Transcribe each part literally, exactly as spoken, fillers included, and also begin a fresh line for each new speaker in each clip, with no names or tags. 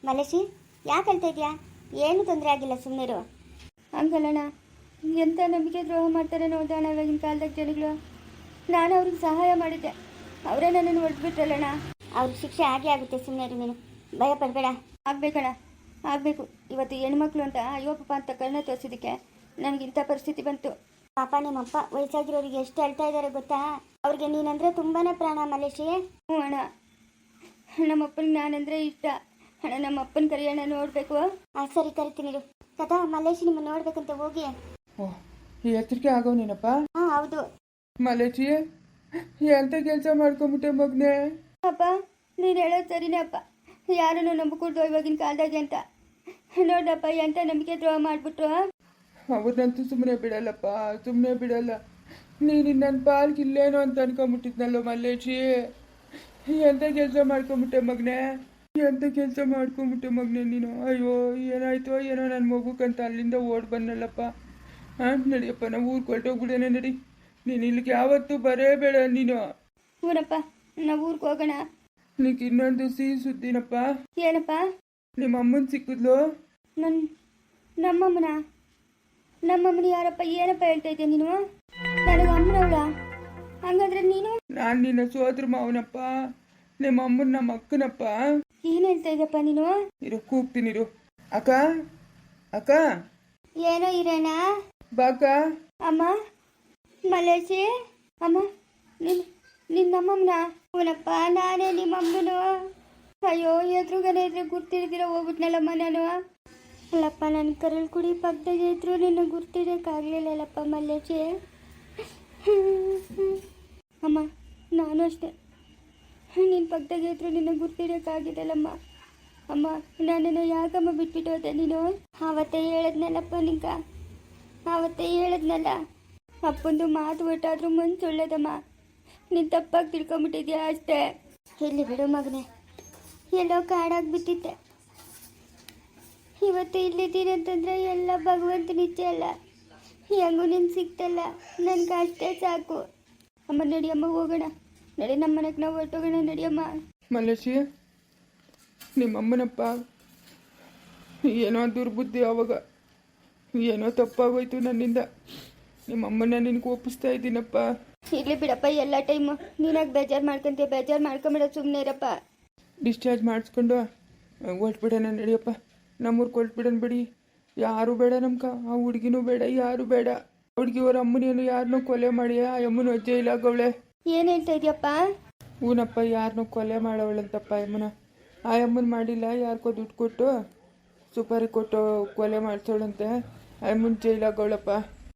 ಮಲೇಶಿ ಯಾಕೆ ಹೇಳ್ತಾ ಇದೆಯಾ? ಏನು ತೊಂದರೆ ಆಗಿಲ್ಲ, ಸುಮ್ಮನಿರು.
ಹಂಗಲ್ಲಣ್ಣ, ಎಂಥ ನಂಬಿಕೆ ದ್ರೋಹ ಮಾಡ್ತಾರೆ ನೋಡೋಣ ಇವಾಗಿನ ಕಾಲದಾಗ ಜನಗಳು. ನಾನು ಅವ್ರಿಗೆ ಸಹಾಯ ಮಾಡಿದ್ದೆ, ಅವರೇ ನನ್ನನ್ನು ಹೊಡೆದ್ಬಿಟ್ರಲ್ಲಣ್ಣ.
ಅವ್ರಿಗೆ ಶಿಕ್ಷೆ ಆಗೇ ಆಗುತ್ತೆ, ಸುಮ್ಮನಿರು ನೀನು, ಭಯ ಪಡಬೇಡ.
ಆಗ್ಬೇಕಣ್ಣ, ಆಗಬೇಕು. ಇವತ್ತು ಹೆಣ್ಮಕ್ಳು ಅಂತ ಅಯ್ಯೋ ಪಾಪ ಅಂತ ಕಣ್ಣ ತೋರಿಸಿದ್ದಕ್ಕೆ ನನಗಿಂಥ ಪರಿಸ್ಥಿತಿ ಬಂತು.
ಪಾಪ ನಿಮ್ಮಪ್ಪ ವಯಸ್ಸಾಗಿರೋರಿಗೆ ಎಷ್ಟು ಹೇಳ್ತಾ ಇದ್ದಾರೆ ಗೊತ್ತಾ? ಅವ್ರಿಗೆ ನೀನಂದ್ರೆ ತುಂಬಾನೇ ಪ್ರಾಣ ಮಲೇಶಿ.
ಹ್ಞೂ ಅಣ್ಣ, ನಮ್ಮಪ್ಪನಿಗೆ ನಾನಂದ್ರೆ ಇಷ್ಟ ಅಣ್ಣ. ನಮ್ಮಪ್ಪನ ಕರಿಯಣ್ಣ ನೋಡಬೇಕು.
ಆ ಸರಿ ಕರಿತೀನಿ ಕದಾ. ಮಲೇಶಿ ನಿಮ್ಮ ನೋಡ್ಬೇಕಂತ ಹೋಗಿ.
ಓಹ್, ಈ ಎಚ್ಚರಿಕೆ ಆಗೋ ನೀನಪ್ಪ?
ಹಾ ಹೌದು.
ಮಲೇಶಿ ಎಂತ ಕೆಲಸ ಮಾಡ್ಕೊಂಬಿಟ್ಟೆ ಮಗ್ನೆ?
ಅಪ್ಪ ನೀನು ಹೇಳೋದು ಸರಿನೇ ಅಪ್ಪ, ಯಾರನ್ನು ನಂಬಿಕೊಡ್ದು ಇವಾಗಿನ ಕಾಲದಾಗೆ ಅಂತ. ನೋಡಪ್ಪ ಎಂತ ನಂಬಿಕೆ ದ್ರೋಹ ಮಾಡಿಬಿಟ್ರು.
ಅವ್ರನ್ನಂತೂ ಸುಮ್ಮನೆ ಬಿಡಲ್ಲಪ್ಪ, ಸುಮ್ಮನೆ ಬಿಡಲ್ಲ. ನೀನು ನನ್ನ ಪಾಲ್ಗೆ ಇಲ್ಲೇನೋ ಅಂತ ಅನ್ಕೊಂಬಿಟ್ಟಿದ್ನಲ್ಲೋ ಮಲ್ಲೇಶಿ. ಎಂತ ಕೆಲಸ ಮಾಡ್ಕೊಂಬಿಟ್ಟೆ ಮಗನೆ, ಎಂತ ಕೆಲಸ ಮಾಡ್ಕೊಂಬಿಟ್ಟೆ ಮಗನೆ ನೀನು. ಅಯ್ಯೋ ಏನಾಯ್ತೋ ಏನೋ ನನ್ನ ಮಗುಕ್ಕಂತ ಅಲ್ಲಿಂದ ಓಡ್ ಬಂದಲ್ಲಪ್ಪ. ಹಾಂ ನಡಿಯಪ್ಪ, ನಾವು ಊರಿಗೆ ಹೊರಟೋಗ್ಬಿಡೋಣ ನಡಿ. ನೀನು ಇಲ್ಲಿಗೆ ಯಾವತ್ತೂ ಬರೇ ಬೇಡ ನೀನು.
ಊರಪ್ಪ, ನಾವು ಊರಿಗೆ ಹೋಗೋಣ.
ನಿನಗೆ ಇನ್ನೊಂದು ಸಿಹಿ ಸುದ್ದಿನಪ್ಪ.
ಏನಪ್ಪ?
ನಿಮ್ಮ ಅಮ್ಮನ ಸಿಕ್ಕಿದ್ಲು.
ನನ್ನ ನಮ್ಮಮ್ಮನ ನಮ್ಮಮ್ಮನ ಯಾರಪ್ಪ? ಏನಪ್ಪ ಹೇಳ್ತಾ ಇದ್ದೆ ನೀನು? ನನಗೆ ಅಮ್ಮನವಳ? ಹಂಗಾದ್ರೆ ನೀನು?
ನಾನು ನಿನ್ನ ಸೋದ್ರ ಮಾವನಪ್ಪ, ನಿಮ್ಮ ಅಮ್ಮನ ನಮ್ಮ ಅಕ್ಕನಪ್ಪ.
ಏನು ಹೇಳ್ತಾ ಇದ್ದಪ್ಪ ನೀನು?
ಇರು ಕೂಗ್ತೀನಿರು. ಅಕ್ಕ ಅಕ್ಕ
ಏನೋ ಇರೋಣ.
ಬಾಕ.
ಅಮ್ಮ ಮಲೇಶಿ, ಅಮ್ಮ ನಿನ್ ನಿನ್ನ ನಮ್ಮಮ್ಮನ?
ಅವನಪ್ಪ ನಾನೇ ನಿಮ್ಮಮ್ಮನು.
ಅಯ್ಯೋ ಎದುರುಗನೆ ಇದ್ರೆ ಗುರ್ತಿಡ್ದಿರ ಹೋಗ್ಬಿಟ್ನಲ್ಲಮ್ಮ ನಾನು.
ಅಲ್ಲಪ್ಪ, ನನ್ನ ಕರಳು ಕುಡಿ ಪಕ್ಕದಾಗೆ ಇದ್ರು ನಿನ್ನ ಗುರ್ತಿಡೋಕ್ಕಾಗಲಿಲ್ಲಲ್ಲಪ್ಪ ಮಲ್ಲೇಶಿ.
ಅಮ್ಮ ನಾನು ಅಷ್ಟೇ, ನಿನ್ನ ಪಕ್ಕದಾಗೆ ಇದ್ರು ನಿನ್ನ ಗುರ್ತಿಡೋಕ್ಕಾಗಿದ್ದಲ್ಲಮ್ಮ. ಅಮ್ಮ ನನ್ನನ್ನು ಯಾಕಮ್ಮ ಬಿಟ್ಬಿಟ್ಟು ಹೋದೆ ನೀನು?
ಆವತ್ತೇ ಹೇಳಿದ್ನಲ್ಲಪ್ಪ ನಿಂಗ, ಆವತ್ತೇ ಹೇಳಿದ್ನಲ್ಲ.
ಅಪ್ಪಂದು ಮಾತು ಒಟ್ಟಾದ್ರೂ ಮನ್ಸು ಒಳ್ಳೇದಮ್ಮ. ನೀನು ತಪ್ಪಾಗಿ ತಿಳ್ಕೊಂಬಿಟ್ಟಿದ್ಯಾ ಅಷ್ಟೇ.
ಇಲ್ಲಿ ಬಿಡು ಮಗನೆ, ಎಲ್ಲೋ ಕಾಡಾಗ್ಬಿಟ್ಟಿದ್ದೆ. ಇವತ್ತು ಇಲ್ಲಿದ್ದೀನಿ ಅಂತಂದ್ರೆ ಎಲ್ಲ ಭಗವಂತನ ಇಚ್ಛೆ ಅಲ್ಲ. ಹೆಂಗೂ ನೀನು ಸಿಕ್ತಲ್ಲ, ನನ್ಗೆ ಅಷ್ಟೇ ಸಾಕು.
ಅಮ್ಮ ನಡಿಯಮ್ಮ ಹೋಗೋಣ, ನಡಿ ನಮ್ಮ ಮನೆಗೆ ನಾವು ಹೊರಟೋಗೋಣ. ನಡಿಯಮ್ಮ.
ಮಲೇಶಿ, ನಿಮ್ಮಮ್ಮನಪ್ಪ ಏನೋ ದುರ್ಬುದ್ಧಿ, ಅವಾಗ ಏನೋ ತಪ್ಪಾಗೋಯ್ತು ನನ್ನಿಂದ. ನಿಮ್ಮಮ್ಮನ ನಿನಗೆ ಒಪ್ಪಿಸ್ತಾ ಇದ್ದೀನಪ್ಪ.
ಇರ್ಲಿ ಬಿಡಪ್ಪ, ಎಲ್ಲ ಟೈಮು ನೀನಾಗಿ ಬೇಜಾರು ಮಾಡ್ಕೊಂತೀಯ. ಬೇಜಾರು ಮಾಡ್ಕೊಂಬಿಡ, ಸುಮ್ಮನೆ ಇರಪ್ಪ.
ಡಿಸ್ಚಾರ್ಜ್ ಮಾಡಿಸ್ಕೊಂಡು ಹೊಟ್ಬಿಡೋಣ ನಡಿಯಪ್ಪ. ನಮ್ಮೂರ್ಗೆ ಹೊಟ್ಬಿಡೋಣ ಬಿಡಿ. ಯಾರು ಬೇಡ ನಮ್ಕ, ಆ ಹುಡುಗಿನೂ ಬೇಡ, ಯಾರು ಬೇಡ. ಹುಡುಗಿ ಅವ್ರ ಅಮ್ಮನೇನು ಯಾರನ್ನೂ ಕೊಲೆ ಮಾಡಿ ಆ ಅಮ್ಮನ ಅಜ್ಜೆ ಇಲ್ಲಾಗವಳೆ.
ಏನು ಹೇಳ್ತಾ ಇದೆಯಪ್ಪ?
ಹೂನಪ್ಪ, ಯಾರನ್ನೂ ಕೊಲೆ ಮಾಡವಳಂತಪ್ಪ ಅಮ್ಮನ. ಆ ಅಮ್ಮನ ಮಾಡಿಲ್ಲ, ಯಾರಿಗೋ ದುಡ್ಡು ಕೊಟ್ಟು ಸುಪಾರಿ ಕೊಟ್ಟು ಕೊಲೆ ಮಾಡಿಸೋಳಂತೆ. ಆ ಅಮ್ಮನ ಜೈಲಾಗವಳಪ್ಪ.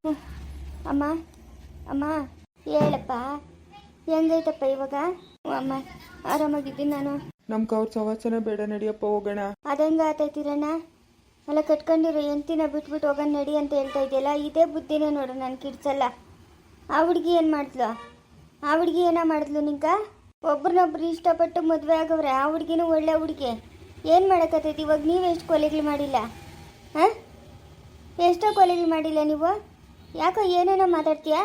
ಅಮ್ಮ ಅಮ್ಮ ಹೇಳಪ್ಪ, ಹೆಂಗೈತಪ್ಪ ಇವಾಗ?
ಅಮ್ಮ ಆರಾಮಾಗಿದ್ದೀನಿ ನಾನು.
ನಮ್ಗೆ ಅವ್ರ ಸವಾಸನ ಬೇಡ, ನಡಿಯಪ್ಪ ಹೋಗೋಣ.
ಅದಂಗ ಆತೈತಿರಣ್ಣ. ಅಲ್ಲ ಕಟ್ಕೊಂಡಿರೋ ಎಂತಿನ ಬಿಟ್ಬಿಟ್ಟು ಹೋಗೋಣ ನಡಿ ಅಂತ ಹೇಳ್ತಾ ಇದೆಯಲ್ಲ, ಇದೇ ಬುದ್ಧಿನೇ ನೋಡು ನಾನು ಕಿಡ್ಸಲ್ಲ. ಆ ಹುಡುಗಿ ಏನು ಮಾಡಿದ್ಲು? ಆ ಹುಡುಗಿ ಏನೋ ಮಾಡಿದ್ಲು ನಿಂಕ? ಒಬ್ರನ್ನೊಬ್ರು ಇಷ್ಟಪಟ್ಟು ಮದುವೆ ಆಗವ್ರೆ. ಆ ಹುಡುಗಿನೂ ಒಳ್ಳೆ ಹುಡುಗಿ. ಏನು ಮಾಡೋಕ್ಕತ್ತೈತಿ ಇವಾಗ? ನೀವು ಎಷ್ಟು ಕೊಲೆಗಳು ಮಾಡಿಲ್ಲ? ಹಾಂ, ಎಷ್ಟೋ ಕೊಲೆಗಳು ಮಾಡಿಲ್ಲ ನೀವು? ಯಾಕೋ ಏನೇನೋ ಮಾತಾಡ್ತೀಯಾ?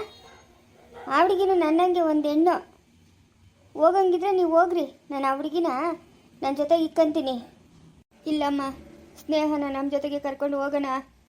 ಆ ಹುಡುಗಿನೂ ನನ್ನಂಗೆ ಒಂದು ಹೆಣ್ಣು. ಹೋಗಂಗಿದ್ರೆ ನೀವು ಹೋಗ್ರಿ, ನಾನು ಆ ಹುಡುಗಿನ ನನ್ನ ಜೊತೆ ಇಕ್ಕಂತೀನಿ.
ಇಲ್ಲಮ್ಮ, ಸ್ನೇಹನ ನಮ್ಮ ಜೊತೆಗೆ ಕರ್ಕೊಂಡು ಹೋಗೋಣ.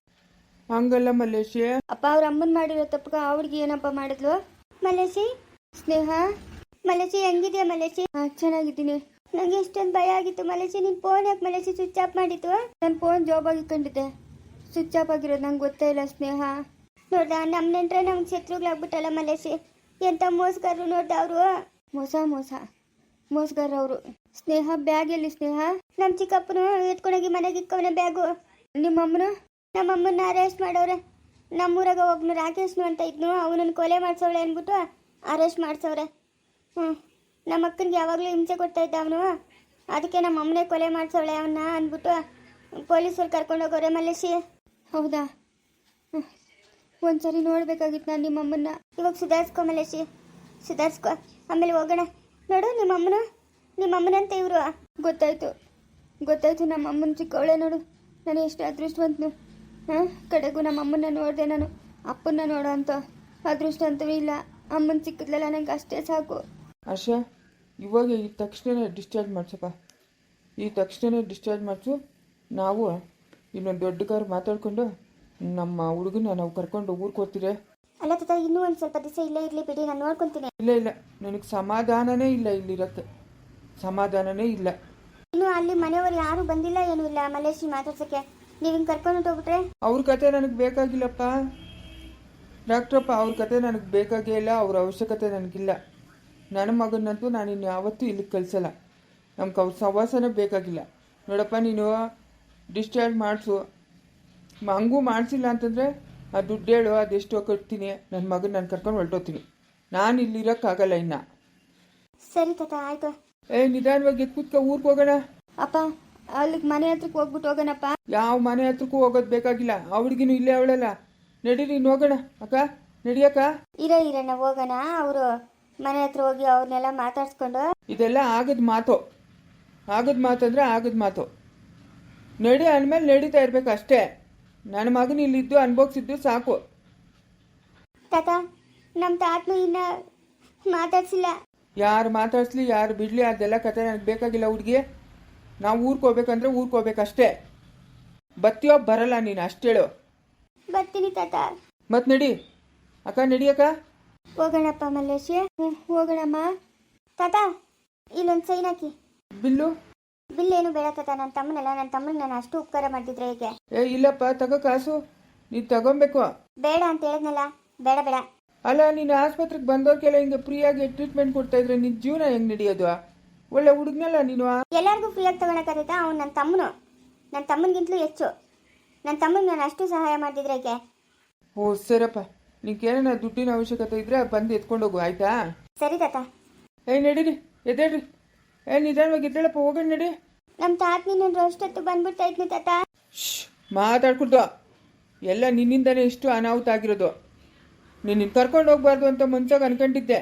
ಹಂಗಲ್ಲ ಮಲ್ಲೇಶಿ.
ಅಪ್ಪ ಅವ್ರ ಅಮ್ಮನ ಮಾಡಿರೋ ತಪ್ಪಗ ಆ ಹುಡುಗಿ ಏನಪ್ಪ ಮಾಡಿದ್ಲು?
ಮಲೇಶಿ,
ಸ್ನೇಹ,
ಮಲೇಶಿ ಹೆಂಗಿದ್ಯಾ ಮಲೇಶಿ?
ಹಾಂ ಚೆನ್ನಾಗಿದ್ದೀನಿ.
ನನಗೆ ಎಷ್ಟೊಂದು ಭಯ ಆಗಿತ್ತು ಮಲೇಶಿ. ನಿನ್ನ ಫೋನ್ ಯಾಕೆ ಮಲೇಶಿ ಸ್ವಿಚ್ ಆಫ್ ಮಾಡಿತ್ತು?
ನನ್ನ ಫೋನ್ ಜಾಬಾಗಿ ಇಟ್ಕೊಂಡಿದ್ದೆ, ಸ್ವಿಚ್ ಆಫ್ ಆಗಿರೋದು ನಂಗೆ ಗೊತ್ತೇ ಇಲ್ಲ ಸ್ನೇಹ.
ನೋಡ್ದ, ನಮ್ಮ ನೆಂಟ್ರೆ ನಮ್ಗೆ ಶತ್ರುಗಳಾಗ್ಬಿಟ್ಟಲ್ಲ ಮಲೇಶಿ. ಎಂಥ ಮೋಸಗಾರರು ನೋಡ್ದ ಅವರು.
ಮೋಸ ಮೋಸ ಮೋಸಗಾರ ಅವರು. ಸ್ನೇಹ ಬ್ಯಾಗ್ ಎಲ್ಲಿ ಸ್ನೇಹ?
ನಮ್ಮ ಚಿಕ್ಕಪ್ಪನು ಎತ್ಕೊಂಡೋಗಿ ಮನೆಗೆ ಇಕ್ಕವನ ಬ್ಯಾಗು.
ನಿಮ್ಮಮ್ಮನ?
ನಮ್ಮಮ್ಮನ ಅರೆಸ್ಟ್ ಮಾಡವ್ರೆ. ನಮ್ಮೂರಾಗ ಒಬ್ನು ರಾಕೇಶ್ನು ಅಂತ ಇದ್ನು, ಅವನನ್ನು ಕೊಲೆ ಮಾಡಿಸೋಳೆ ಅಂದ್ಬಿಟ್ಟು ಅರೆಸ್ಟ್ ಮಾಡಿಸವ್ರೆ. ಹ್ಞೂ, ನಮ್ಮ ಅಕ್ಕನಿಗೆ ಯಾವಾಗಲೂ ಹಿಂಸೆ ಕೊಡ್ತಾ ಇದ್ದ ಅವನು. ಅದಕ್ಕೆ ನಮ್ಮ ಅಮ್ಮನೇ ಕೊಲೆ ಮಾಡಿಸೋಳೆ ಅವನ್ನ ಅಂದ್ಬಿಟ್ಟು ಪೊಲೀಸರು ಕರ್ಕೊಂಡೋಗೋರೆ ಮಲೇಶಿ.
ಹೌದಾ? ಹ್ಞೂ, ಒಂದ್ಸರಿ ನೋಡ್ಬೇಕಾಗಿತ್ತು ನಾನು ನಿಮ್ಮಮ್ಮನ್ನ.
ಇವಾಗ ಸುಧಾರಿಸ್ಕೊ ಮಲೇಶಿ, ಸುಧಾರಿಸ್ಕೊ, ಆಮೇಲೆ ಹೋಗೋಣ. ನೋಡು ನಿಮ್ಮಮ್ಮನ, ನಿಮ್ಮಮ್ಮನಂತ ಇವರು.
ಗೊತ್ತಾಯ್ತು ಗೊತ್ತಾಯ್ತು ನಮ್ಮ ಅಮ್ಮನ ಚಿಕ್ಕವಳೆ ನೋಡು. ನಾನು ಎಷ್ಟು ಅದೃಷ್ಟವಂತನು. ಹಾಂ, ಕಡೆಗೂ ನಮ್ಮ ಅಮ್ಮನ್ನ ನೋಡಿದೆ ನಾನು. ಅಪ್ಪನ್ನ ನೋಡೋ ಅಂತ ಅದೃಷ್ಟ ಅಂತೂ ಇಲ್ಲ. ಅಮ್ಮನ ಸಿಕ್ಕಿದ್ಲಲ್ಲ, ನಂಗೆ ಅಷ್ಟೇ ಸಾಕು.
ಆಶಾ, ಇವಾಗ ಈ ತಕ್ಷಣ ಡಿಸ್ಚಾರ್ಜ್ ಮಾಡ್ಸಪ್ಪ. ಈ ತಕ್ಷಣ ಡಿಸ್ಚಾರ್ಜ್ ಮಾಡಿಸು. ನಾವು ಇನ್ನೊಂದು ದೊಡ್ಡ ಕಾರು ಮಾತಾಡ್ಕೊಂಡು ನಮ್ಮ ಹುಡುಗನ ನಾವು ಕರ್ಕೊಂಡು ಊರಿಗೆ ಹೋಗ್ತೀರಿ.
ಅಲ್ಲ ತಾತ, ಇನ್ನೂ ಒಂದು ಸ್ವಲ್ಪ ದಿವಸ ಇಲ್ಲೇ ಇರಲಿ ಬಿಡಿ, ನಾನು ನೋಡ್ಕೊತೀನಿ.
ಇಲ್ಲ ಇಲ್ಲ, ನನಗೆ ಸಮಾಧಾನನೇ ಇಲ್ಲ ಇಲ್ಲಿರೋಕ್ಕೆ, ಸಮಾಧಾನನೇ ಇಲ್ಲ.
ಇನ್ನು ಅಲ್ಲಿ ಮನೆಯವರು ಯಾರು ಬಂದಿಲ್ಲ, ಏನೂ ಇಲ್ಲ ಮಲೇಶಿ ಮಾತಾಡ್ಸೋಕ್ಕೆ. ನೀವು ಹಿಂಗೆ ಕರ್ಕೊಂಡು ಹೋಗ್ಬಿಟ್ರೆ
ಅವ್ರ ಕತೆ ನನಗೆ ಬೇಕಾಗಿಲ್ಲಪ್ಪ ಡಾಕ್ಟ್ರಪ್ಪ, ಅವ್ರ ಕತೆ ನನಗೆ ಬೇಕಾಗೇ ಇಲ್ಲ, ಅವ್ರ ಅವಶ್ಯಕತೆ ನನಗಿಲ್ಲ. ನನ್ನ ಮಗನಂತೂ ನಾನು ಇನ್ನು ಯಾವತ್ತೂ ಇಲ್ಲಿಗೆ ಕಳಿಸಲ್ಲ. ನಮ್ಗೆ ಅವ್ರ ಸವಾಸನೇ ಬೇಕಾಗಿಲ್ಲ. ನೋಡಪ್ಪ, ನೀನು ಡಿಸ್ಚಾರ್ಜ್ ಮಾಡಿಸು. ಹಂಗೂ ಮಾಡಿಸಿಲ್ಲ ಅಂತಂದರೆ ಆ ದುಡ್ಡು ಹೇಳು, ಅದೆಷ್ಟೋ ಕಟ್ತೀನಿ, ನನ್ನ ಮಗನ ನಾನು ಕರ್ಕೊಂಡು ಹೊರಟೋಗ್ತೀನಿ. ನಾನು ಇಲ್ಲಿರೋಕ್ಕಾಗಲ್ಲ ಇನ್ನು.
ಸರಿ ತಾತ, ಆಯ್ತು.
ಏ ನಿಧಾನವಾಗಿ ಕೂತ್ಕೊ, ಊರಿಗೆ ಹೋಗೋಣ.
ಅಪ್ಪ ಅಲ್ಲಿಗೆ ಮನೆ ಹತ್ರಕ್ಕೆ ಹೋಗ್ಬಿಟ್ಟು ಹೋಗೋಣಪ್ಪ.
ಯಾವ ಮನೆ ಹತ್ರಕ್ಕೂ ಹೋಗೋದು ಬೇಕಾಗಿಲ್ಲ, ಆ ಹುಡುಗಿನೂ ಇಲ್ಲೇ ಅವಳಲ್ಲ. ನಡೀರಿ ಇನ್ನು ಹೋಗೋಣ. ಅಕ್ಕ ನಡಿಯಕ್ಕ.
ಇರ ಇರಣ್ಣ ಹೋಗೋಣ. ಅವರು ಮನೆ ಹತ್ರ ಹೋಗಿ ಅವ್ರನ್ನೆಲ್ಲ ಮಾತಾಡ್ಸ್ಕೊಂಡು.
ಇದೆಲ್ಲ ಆಗದ ಮಾತು, ಆಗದ ಮಾತಂದ್ರೆ ಆಗದ ಮಾತು. ನಡಿ ಅಂದಮೇಲೆ ನಡೀತಾ ಇರ್ಬೇಕು ಅಷ್ಟೇ. ನನ್ನ ಮಗನ ಇಲ್ಲಿದ್ದು ಅನ್ಭೋಗಿಸಿದ್ದು ಸಾಕು.
ತಾತ, ನಮ್ಮ ತಾತನು ಇನ್ನ ಮಾತಾಡ್ಸಿಲ್ಲ.
ಯಾರು ಮಾತಾಡ್ಸ್ಲಿ ಯಾರು ಬಿಡ್ಲಿ ಅದೆಲ್ಲ ಕತೆ ನನಗೆ ಬೇಕಾಗಿಲ್ಲ ಹುಡುಗಿ. ನಾವು ಊರಿಗೆ ಹೋಗ್ಬೇಕಂದ್ರೆ ಊರಿಗೆ ಹೋಗ್ಬೇಕಷ್ಟೇ. ಬತ್ತೀಯೋ ಬರಲ್ಲ ನೀನು ಅಷ್ಟೇಳು.
ಬರ್ತೀನಿ ತಾತ.
ಮತ್ತೆ ನಡಿ ಅಕ್ಕ, ನಡಿಯಕ್ಕ.
ಹೋಗೋಣಪ್ಪ ಮಲ್ಲೇಶಿ.
ಹ್ಞೂ ಹೋಗೋಣಮ್ಮ.
ತಾತ, ಇಲ್ಲೊಂದು ಸೈನ್ ಹಾಕಿ.
ಬಿಲ್ಲು
ಬಿಲ್ ಏನು ಬೇಡ ತಾತ, ನನ್ನ ತಮ್ಮನಲ್ಲ, ನನ್ನ ತಮ್ಮನಿಗೆ ನಾನು ಅಷ್ಟು ಉಪಕಾರ ಮಾಡ್ತಿದ್ರೆ ಹೇಗೆ?
ಏ ಇಲ್ಲಪ್ಪ, ತಗೋ ಕಾಸು, ನೀನು ತಗೊಬೇಕು.
ಬೇಡ ಅಂತ ಹೇಳಿದ್ನಲ್ಲ, ಬೇಡ ಬೇಡ.
ಅಲ್ಲ, ನೀನು ಆಸ್ಪತ್ರೆಗೆ ಬಂದವ್ರಿಗೆಲ್ಲ ಹಿಂಗೆ ಫ್ರೀಯಾಗಿ ಟ್ರೀಟ್ಮೆಂಟ್ ಕೊಡ್ತಾ ಇದ್ರೆ ನಿನ್ನ ಜೀವನ ಹೆಂಗೆ ನಡೆಯೋದು? ಒಳ್ಳೆ ಹುಡುಗ್ನಲ್ಲ ನೀನು.
ಎಲ್ಲರಿಗೂ ಫ್ರೀಯಾಗಿ ತಗೊಳಕ್ಕಾಗತ್ತಾ? ಅವ್ನು ನನ್ನ ತಮ್ಮನು, ನನ್ನ ತಮ್ಮನಿಗಿಂತಲೂ ಹೆಚ್ಚು. ನನ್ನ ತಮ್ಮನಿಗೆ ನಾನು ಅಷ್ಟು ಸಹಾಯ ಮಾಡ್ತಿದ್ರೆ ಹೇಗೆ?
ಓ ಸರಪ್ಪ, ನಿಂಗೇನ ದುಡ್ಡಿನ ಅವಶ್ಯಕತೆ ಇದ್ರೆ ಬಂದು ಎತ್ಕೊಂಡು ಹೋಗು, ಆಯ್ತಾ?
ಸರಿ ತಾತ.
ಏ ನಡೀರಿ, ಎದ್ದೇಳ್ರಿ. ಏ ನಿಧಾನವಾಗಿ ಎದ್ದೇಳಪ್ಪ, ಹೋಗೋಣ ನಡಿ.
ನಮ್ಮ ತಾತ ನೀನು ಅಷ್ಟೊತ್ತು ಬಂದ್ಬಿಡ್ತಾ ಇದ್ನಿ ತಾತ.
ಶ್ ಮಾತಾಡ್ಕೊಳ್ದು. ಎಲ್ಲ ನಿನ್ನಿಂದನೇ ಇಷ್ಟು ಅನಾಹುತ ಆಗಿರೋದು. ನೀನು ಕರ್ಕೊಂಡು ಹೋಗ್ಬಾರ್ದು ಅಂತ ಮುಂಚಾಗ ಅನ್ಕೊಂಡಿದ್ದೆ.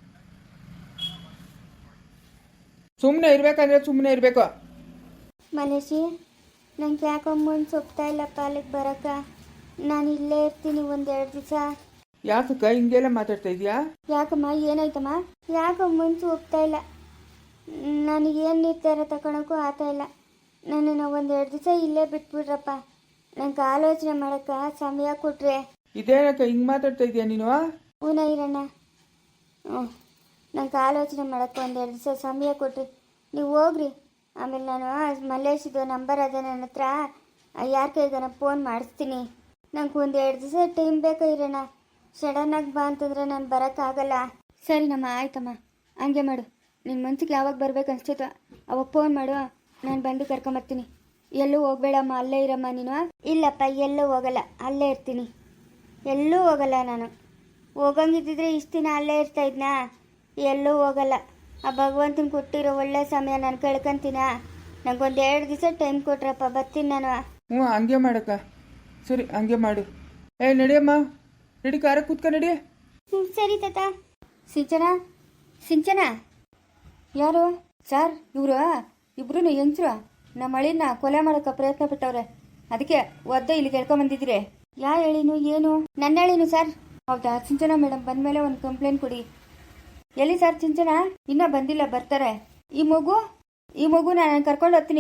ಸುಮ್ಮನೆ ಇರ್ಬೇಕಂದ್ರೆ ಸುಮ್ಮನೆ ಇರಬೇಕು.
ಮಲೇಶಿ, ನಂಗೆ ಯಾಕೋ ಮನ್ಸು ಒಪ್ತಾ ಇಲ್ಲಪ್ಪ ಅಲ್ಲಿಗೆ ಬರೋಕ್ಕ. ನಾನು ಇಲ್ಲೇ ಇರ್ತೀನಿ ಒಂದೆರಡು ದಿವಸ.
ಯಾಕಕ್ಕ ಹಿಂಗೆಲ್ಲ ಮಾತಾಡ್ತಾ ಇದೀಯಾ?
ಯಾಕಮ್ಮ, ಏನಾಯ್ತಮ್ಮ? ಯಾಕೋ ಮನ್ಸು ಒಪ್ತಾ ಇಲ್ಲ. ನನಗೇನು ನಿರ್ಧಾರ ತಗೊಳಕ್ಕೂ ಆಗ್ತಾ ಇಲ್ಲ. ನನ್ನನ್ನು ಒಂದೆರಡು ದಿವಸ ಇಲ್ಲೇ ಬಿಟ್ಬಿಡ್ರಪ್ಪ. ನಂಗೆ ಆಲೋಚನೆ ಮಾಡೋಕ್ಕೆ ಸಮಯ ಕೊಟ್ರೆ.
ಇದೇನಕ್ಕ ಹಿಂಗೆ ಮಾತಾಡ್ತಾ ಇದೀಯಾ ನೀನು?
ಹೂನ ಇರಣ್ಣ. ಹ್ಞೂ, ನಂಗೆ ಆಲೋಚನೆ ಮಾಡೋಕ್ಕೆ ಒಂದೆರಡು ದಿವಸ ಸಮಯ ಕೊಟ್ರಿ. ನೀವು ಹೋಗ್ರಿ. ಆಮೇಲೆ ನಾನು ಮಲ್ಲೇಶಿದು ನಂಬರ್ ಅದೇ ನನ್ನ ಹತ್ರ, ಯಾರ ಕೈಗಾನ ಫೋನ್ ಮಾಡಿಸ್ತೀನಿ. ನಂಗೆ ಒಂದೆರಡು ದಿವಸ ಟೈಮ್ ಬೇಕಾ ಇರೋಣ. ಸಡನ್ನಾಗಿ ಬಾ ಅಂತಂದರೆ ನಾನು ಬರೋಕ್ಕಾಗಲ್ಲ.
ಸರಿನಮ್ಮ, ಆಯ್ತಮ್ಮ, ಹಂಗೆ ಮಾಡು. ನಿನ್ನ ಮನ್ಸಿಗೆ ಯಾವಾಗ ಬರ್ಬೇಕು ಅನ್ಸ್ತೈತೋ ಅವಾಗ ಫೋನ್ ಮಾಡು, ನಾನು ಬಂದು ಕರ್ಕೊಂಬರ್ತೀನಿ. ಎಲ್ಲೂ ಹೋಗ್ಬೇಡಮ್ಮ, ಅಲ್ಲೇ ಇರಮ್ಮ ನೀನು.
ಇಲ್ಲಪ್ಪ, ಎಲ್ಲೂ ಹೋಗಲ್ಲ, ಅಲ್ಲೇ ಇರ್ತೀನಿ. ಎಲ್ಲೂ ಹೋಗಲ್ಲ ನಾನು. ಹೋಗಂಗಿದ್ದಿದ್ರೆ ಇಷ್ಟು ದಿನ ಅಲ್ಲೇ ಇರ್ತಾ ಇದ್ನಾ? ಎಲ್ಲೂ ಹೋಗಲ್ಲ. ಆ ಭಗವಂತನ ಕೊಟ್ಟಿರೋ ಒಳ್ಳೆ ಸಮಯ ನಾನು ಕಳ್ಕೊಂತೀನ. ನಂಗೊಂದು ಎರಡು ದಿವಸ ಟೈಮ್ ಕೊಟ್ರಪ್ಪ, ಬರ್ತೀನಿ ನಾನು.
ಹ್ಞೂ ಹಂಗೆ ಮಾಡಕ್ಕ. ಸರಿ ಹಂಗೆ ಮಾಡು. ಏ ನಡಿಯಮ್ಮ, ನಡಿ, ಕಾರ ಕೂತ್ಕ ನಡಿ.
ಹ್ಞೂ ಸರಿ ತಾತ.
ಸಿಂಚನ, ಸಿಂಚನ. ಯಾರು ಸರ್? ಇವರು ಇಬ್ರು ಹೆಂಗಸ್ರು ನಮ್ಮ ಮಳಿನ ಕೊಲೆ ಮಾಡೋಕೆ ಪ್ರಯತ್ನ ಪಟ್ಟವ್ರೆ. ಅದಕ್ಕೆ ಒದ್ದೆ ಇಲ್ಲಿ ಕೇಳ್ಕೊಂಬಂದಿದ್ದೀರಿ. ಯಾ ಹೇಳಿನು ಏನು?
ನನ್ನ ಹೇಳಿನು ಸರ್.
ಹೌದಾ? ಸಿಂಚನ ಮೇಡಮ್ ಬಂದಮೇಲೆ ಒಂದು ಕಂಪ್ಲೇಂಟ್ ಕೊಡಿ. ಎಲ್ಲಿ ಸರ್ ಸಿಂಚನ? ಇನ್ನೂ ಬಂದಿಲ್ಲ, ಬರ್ತಾರೆ. ಈ ಮಗು ಈ ಮಗು ನಾನು ಕರ್ಕೊಂಡು ಹೋಗ್ತೀನಿ.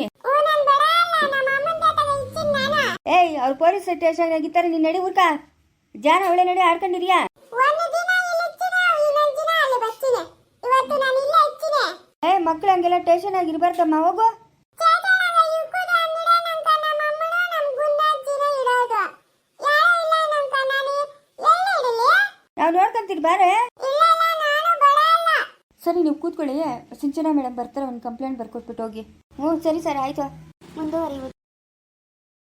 ಏಯ್, ಅವ್ರು ಪೊಲೀಸ್ ಸ್ಟೇಷನ್ ಆಗಿತ್ತಾರೆ. ನೀನು ನಡಿ ಊರ್ಕ. ಜಾನ ಒಳ್ಳೆ ನಡಿ ಆಡ್ಕೊಂಡಿದ್ಯಾ? ಏ ಮಕ್ಳು ಹಂಗೆಲ್ಲ ಟೇಷನ್ ಆಗಿರ್ಬಾರ್ದಮ್ಮ, ಹೋಗು. ನಾವು ನೋಡ್ಕೊಂತೀರಿ ಬಾರೆ. ಸರಿ, ನೀವು ಕೂತ್ಕೊಳ್ಳಿ. ಸಿಂಚನಾ ಮೇಡಮ್ ಬರ್ತಾರೆ, ಒಂದು ಕಂಪ್ಲೇಂಟ್ ಬರ್ಕೊಟ್ಬಿಟ್ಟು ಹೋಗಿ.
ಹ್ಞೂ ಸರಿ ಸರ್, ಆಯಿತು. ಮುಂದುವರಿಯುವುದು.